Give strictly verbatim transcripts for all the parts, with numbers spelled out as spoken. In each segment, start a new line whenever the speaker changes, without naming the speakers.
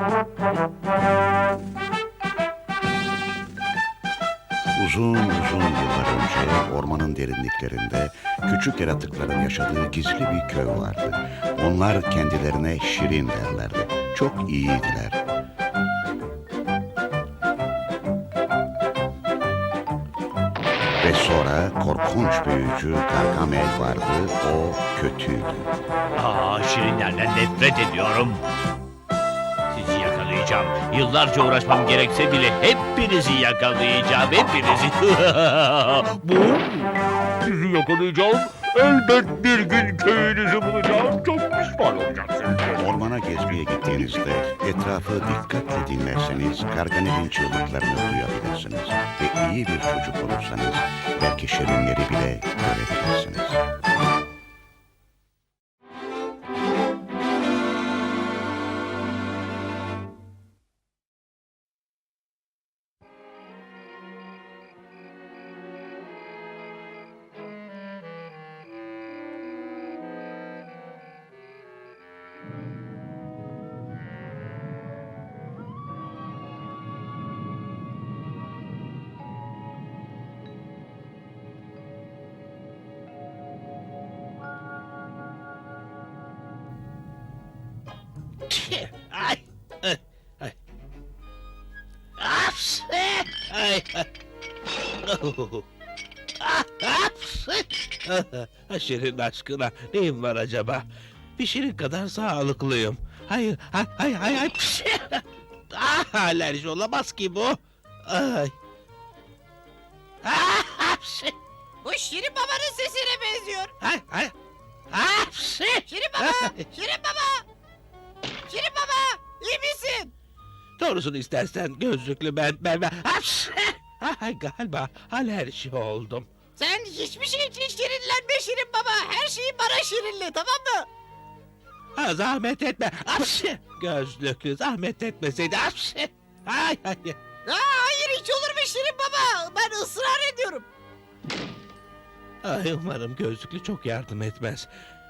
Uzun uzun yıllar önce ormanın derinliklerinde küçük yaratıkların yaşadığı gizli bir köy vardı. Onlar kendilerine Şirin derlerdi. Çok iyiydiler. Ve sonra korkunç büyücü Gargamel vardı. O kötüydü.
Aa, şirinlerden nefret ediyorum. Sizi yakalayacağım. Yıllarca uğraşmam gerekse bile hepinizi yakalayacağım. Hepinizi. Bu? Sizi yakalayacağım. Elbet bir gün köyünüzü bulacağım. Çok pişman olacaksınız.
Ormana gezmeye gittiğinizde etrafı dikkatle dinlerseniz Gargamel'in çığlıklarını duyabilirsiniz. Ve iyi bir çocuk olursanız belki şirinleri bile görebilirsiniz.
Ay, ay, ay. Aps! Ay, ay. Oh. Ah, aps! Ah, Şirin aşkına neyim var acaba? Bir şirin kadar sağlıklıyım. Hayır, hay, hay, hay, hay. Ah, alerji olamaz ki bu. Ay. Ah, aps!
Bu Şirin Baba'nın sesine benziyor.
Ay, ay. Aps!
Şirin Baba! Şirin Baba! Şirin Baba! İyi misin?
Doğrusunu istersen gözlüklü ben, ben, ben. Aps! Ay, galiba alerji oldum.
Sen hiçbir şey için şirinlenme Şirin Baba. Her şeyi bana şirinle, tamam mı?
Ha, zahmet etme. Apsi! Gözlüklü zahmet etmeseydi. Apsi! Ay ay.
Aa, hayır, hiç olur mu Şirin Baba? Ben ısrar ediyorum.
Ay, umarım gözlüklü çok yardım etmez.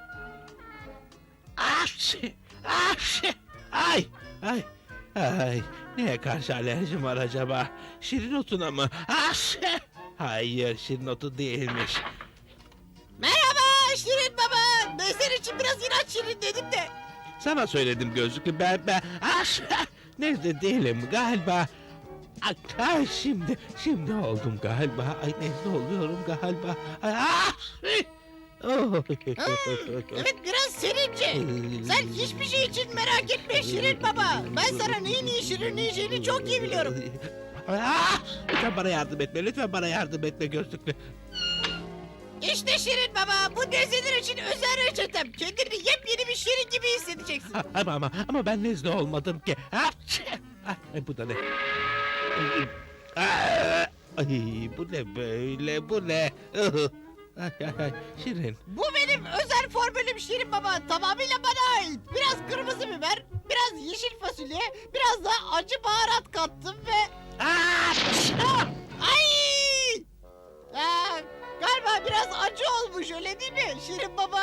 Apsi! Apsi! Ay ay. Ay, neye karşı alerjim var acaba? Şirin otuna mı? Apsi! Hayır, şirin otu değilmiş.
Merhaba Şirin Baba. Ben senin için biraz inat şirin dedim de.
Sana söyledim gözlüklü, ben ben. Apsi! Nezle değilim galiba. Ay, ay, şimdi, şimdi oldum galiba. Ay, nezle oluyorum galiba. Ay, ah! Oh.
Evet, biraz serince. Sen hiçbir şey için merak etme Şirin Baba. Ben sana neyin iyi şirinleyeceğini çok iyi biliyorum.
Ah! Lütfen bana yardım etme, lütfen bana yardım etme gözlüklü.
İşte Şirin Baba, bu nezleler için özel reçetem. Kendini yepyeni bir şirin gibi hissedeceksin.
Ah, Ama ama ama ben nezle olmadım ki. Ah! Ay, bu da ne? Ah! Ay, bu ne böyle, bu ne? Ay, ay, ay, Şirin.
Bu benim özel formülüm Şirin Baba. Tamamıyla bana ait. Biraz kırmızı biber, biraz yeşil fasulye, biraz da acı baharat kattım ve...
Ah!
Ah! Ay! Aa, galiba biraz acı olmuş, öyle değil mi Şirin Baba?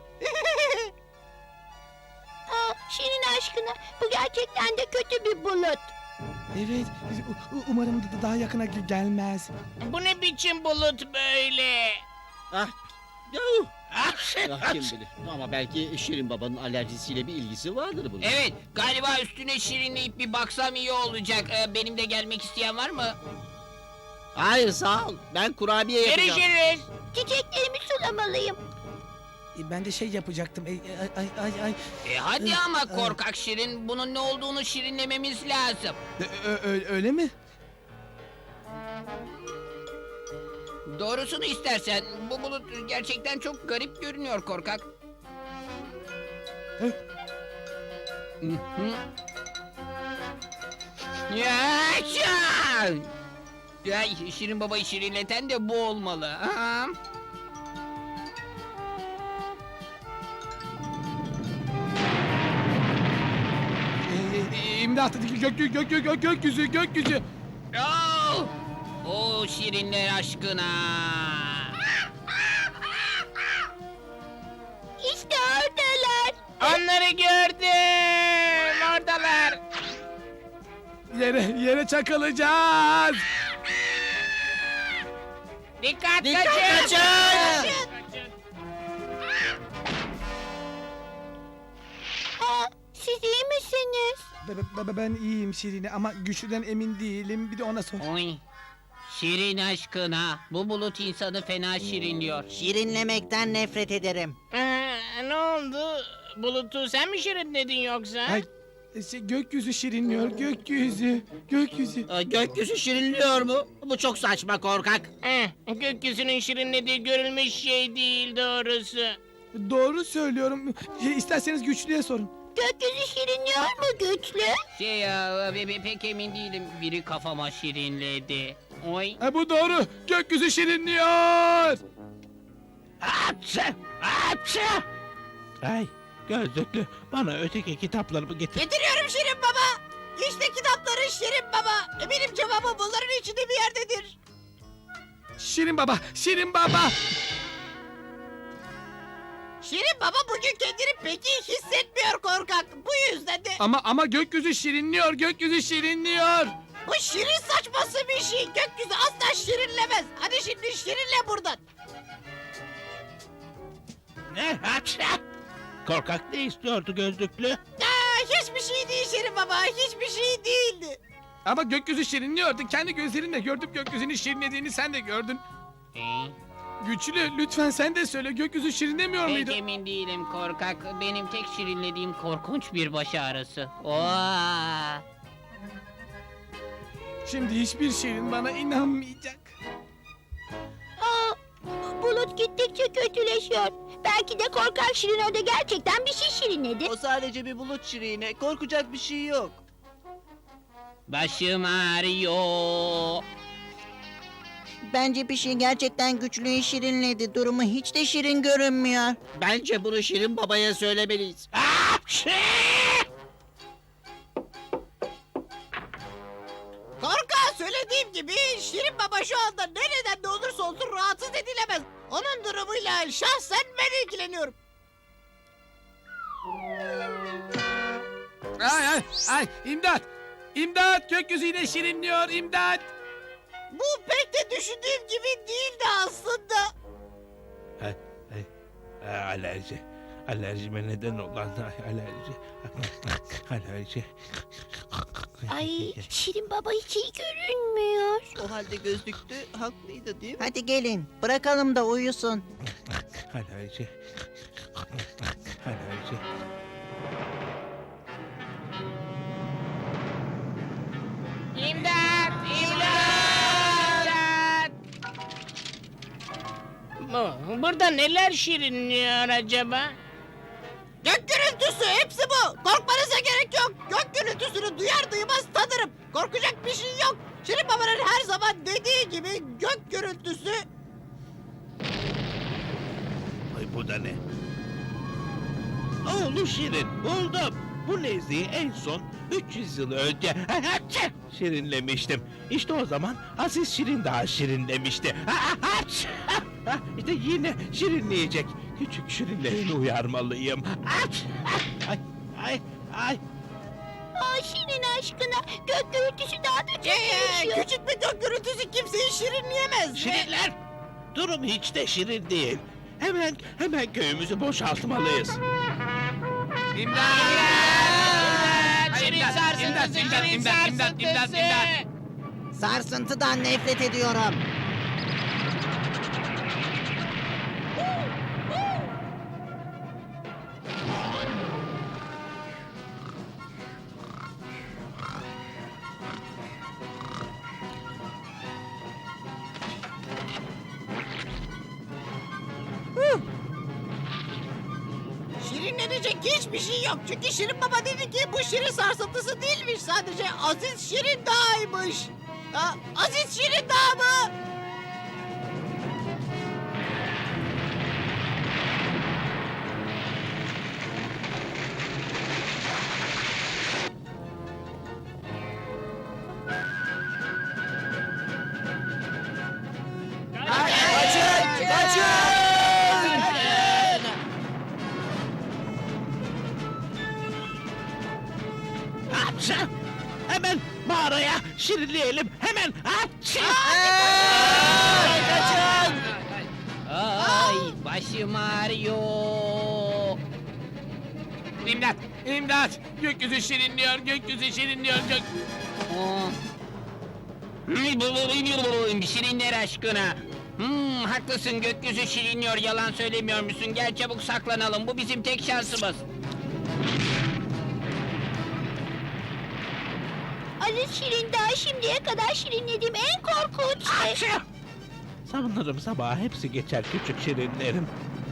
Aa, Şirin aşkına, bu gerçekten de kötü bir bulut.
Evet, u- umarım da- daha yakına ge- gelmez.
Bu ne biçim bulut böyle?
Ah, yuh!
Ah!
Ah, kim bilir. Ama belki Şirin Baba'nın alerjisiyle bir ilgisi vardır bunun.
Evet, galiba üstüne şirinleyip bir baksam iyi olacak. Ee, benim de gelmek isteyen var mı?
Hayır, sağ ol. Ben kurabiye yapacağım.
Görüşürüz.
Çiçeklerimi sulamalıyım.
E, Ben de şey yapacaktım. E, ay ay ay ay.
E hadi ama korkak şirin, bunun ne olduğunu şirinlememiz lazım.
E, ö- ö- öyle mi?
Doğrusunu istersen, bu bulut gerçekten çok garip görünüyor korkak.
Hı?
Hı hı. Yaşa! Ya, Şirin Baba'yı şirinleten de bu olmalı. Aha.
E, e, İmdat! Gök, gök, gök, gök, gök, gökyüzü, gökyüzü.
Oh! O şirinler aşkına.
İşte oradalar.
Onları gördüm. Oradalar.
Yere, yere çakılacağız.
Dikkat,
Dikkat
kaçın.
kaçın!
Aa, siz iyi misiniz?
Be- be- be- Ben iyiyim Şirin'e ama güçlüden emin değilim. Bir de ona sor.
Oy. Şirin aşkına. Bu bulut insanı fena şirinliyor.
Şirinlemekten nefret ederim.
Ee, ne oldu? Bulut'u sen mi şirinledin yoksa?
Ay, şey, gökyüzü şirinliyor, gökyüzü, gökyüzü.
Aa, gökyüzü şirinliyor mu? Bu çok saçma korkak.
Eh, gökyüzünün şirinlediği görülmüş şey değil doğrusu.
Doğru söylüyorum. Şey, İsterseniz güçlüye sorun.
Gökyüzü şirinliyor mu güçlü?
Şey ya, pe- pe- pek emin değilim. Biri kafama şirinledi. Oy.
Ha, bu doğru. Gökyüzü şirinliyor.
Hapşa! Hapşa! Ay gözlüklü bana öteki kitaplarımı getir.
Getiriyorum Şirin Baba. İşte kitapları Şirin Baba. Eminim cevabı bunların içinde bir yerdedir.
Şirin baba, Şirin baba.
Şirin Baba bugün kendini pek iyi hissetmiyor korkak. Bu yüzden de
Ama ama gökyüzü şirinliyor, gökyüzü şirinliyor.
bu şirin saçması bir şey. Gökyüzü asla şirinlemez. Hadi şimdi şirinle buradan.
Ne hapşa? Korkak ne istiyordu gözlüklü?
Aa, hiçbir şey değil Şirin Baba. Hiçbir şey değildi.
Ama gökyüzü şirinliyordu. Kendi gözlerinle gördüm gökyüzünün şirinlediğini sen de gördün.
Ee,
Güçlü, lütfen sen de söyle. Gökyüzü şirinlemiyor
pek
muydu?
emin değilim korkak. Benim tek şirinlediğim korkunç bir baş ağrısı. Oha.
Şimdi hiçbir şirin bana inanmayacak.
Aa, bulut gittikçe kötüleşiyor. Belki de korkak şirin orada gerçekten bir şey şirinledi.
O sadece bir bulut şirine. Korkacak bir şey yok.
Başım ağrıyor.
Bence bir şey gerçekten güçlüyü şirinledi. Durumu hiç de şirin görünmüyor.
Bence bunu Şirin babaya söylemeliyiz.
Hapşa!
Korkağa söylediğim gibi Şirin Baba şu anda nereden de olursa olsun rahatsız edilemez. Onun durumuyla şahsen ben ilgileniyorum.
Ay ay ay imdat! İmdat! Gökyüzü yine şirinliyor imdat!
Bu pek de düşündüğüm gibi değildi aslında.
Ay, ay, ay, alerji. Alerjime neden olan ay, alerji. Alerji.
Ay, şirin baba hiç iyi görünmüyor.
O halde gözlüklü haklıydı değil mi?
Hadi gelin, bırakalım da uyusun.
Alerji. Alerji.
İmdat! İmdat! Bu, burada neler şirinliyor acaba?
Gök gürültüsü hepsi bu. Korkmanıza gerek yok. Gök gürültüsünü duyar duymaz tanırım. Korkacak bir şey yok. Şirin Baba'nın her zaman dediği gibi gök gürültüsü.
Ay bu da ne? Oğlu Şirin buldum. Bu nezleyi en son üç yüz yıl önce şirinlemiştim. İşte o zaman Aziz Şirin daha şirinlemişti. İşte yine şirinleyecek. Küçük şirinlerini uyarmalıyım. Ay ay ay.
Aa, şirin aşkına gök gürültüsü daha da
Ee,
kötüleşiyor.
küçük bir gök gürültüsü kimseyi şirinleyemez.
Şirinler, durum hiç de şirin değil. Hemen hemen köyümüzü boşaltmalıyız.
İmdat!
Şirin sarsıntısı, şirin sarsıntısı!
Sarsıntıdan nefret ediyorum.
Şirinlenecek hiçbir şey yok. Çünkü Şirin Baba dedi ki bu şirin sarsıntısı değilmiş. Sadece Aziz Şirin Dağı'ymış. Ha, Aziz Şirin Dağı mı?
Kaçın! Kaçın!
Hapşa! Hemen mağaraya şirinleyelim. Hemen. Hapşi!
Ay başım ağrıyor.
İmdat! İmdat! Gökyüzü şirinliyor, gökyüzü şirinliyor, gök...
Aa. Şirinler aşkına. Hmm, haklısın, gökyüzü şirinliyor, yalan söylemiyor musun? Gel çabuk saklanalım, bu bizim tek şansımız.
Aziz Şirin daha şimdiye kadar şirinlediğim en korkunç şey.
Hapşi! Sanırım sabah hepsi geçer küçük şirinlerim.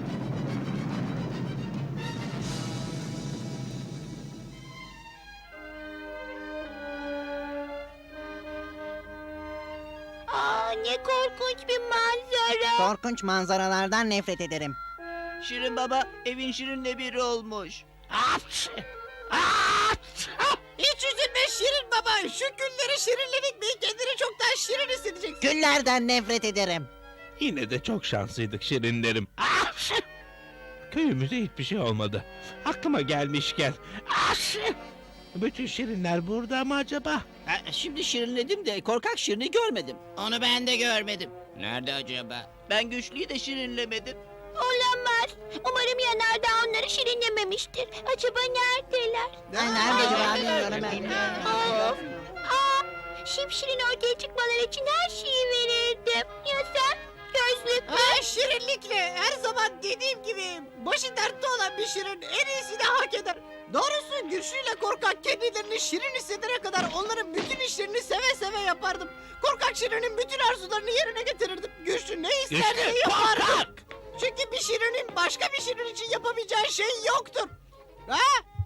Aa, ne korkunç bir manzara.
Korkunç manzaralardan nefret ederim.
Şirin baba evin şirinle biri olmuş.
Hapşi! Hapşi!
Hiç üzülme Şirin baba. Şu günleri şirinledik mi kendini çok daha şirin hissedeceksin.
Güllerden nefret ederim.
Yine de çok şanslıydık şirinlerim. Hapşi! Köyümüze hiçbir şey olmadı. Aklıma gelmişken. Hapşi! Bütün şirinler burada mı acaba?
Ha, şimdi şirinledim de korkak Şirin'i görmedim. Onu ben de görmedim.
Nerede acaba?
Ben güçlüyü de şirinlemedim.
Olamaz. Umarım yanardağ onları şirinlememiştir. Acaba neredeler?
Ben nerede acaba bilmiyorum ben.
Of. Aa, şipşirin ortaya çıkmaları için her şeyi verirdim. Ya sen? Gözlüklü.
Ha, şirinlikle her zaman dediğim gibi başı dertte olan bir şirin en iyisini hak eder. Doğrusu güçlüyle korkak kendilerini şirin hissedene kadar onların bütün işlerini seve seve yapardım. Korkak şirinin bütün arzularını yerine getirirdim. Güçlü ne isterse
Güçlü,
yapardım.
korkak!
Çünkü bir şirinin başka bir şirin için yapamayacağı şey yoktur. Ha?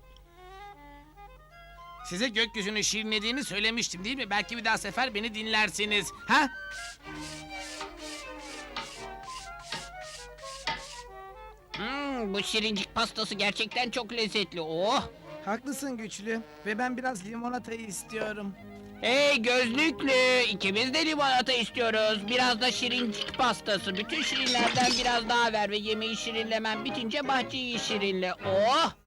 Size gökyüzünü şirinlediğimi söylemiştim değil mi? Belki bir daha sefer beni dinlersiniz. Ha?
Hmm, bu şirincik pastası gerçekten çok lezzetli. Oh!
Haklısın güçlü. Ve ben biraz limonatayı istiyorum.
Hey gözlüklü, ikimiz de limonata istiyoruz. Biraz da şirincik pastası. Bütün şirinlerden biraz daha ver ve yemeği şirinlemem bitince bahçeyi şirinle. Oh!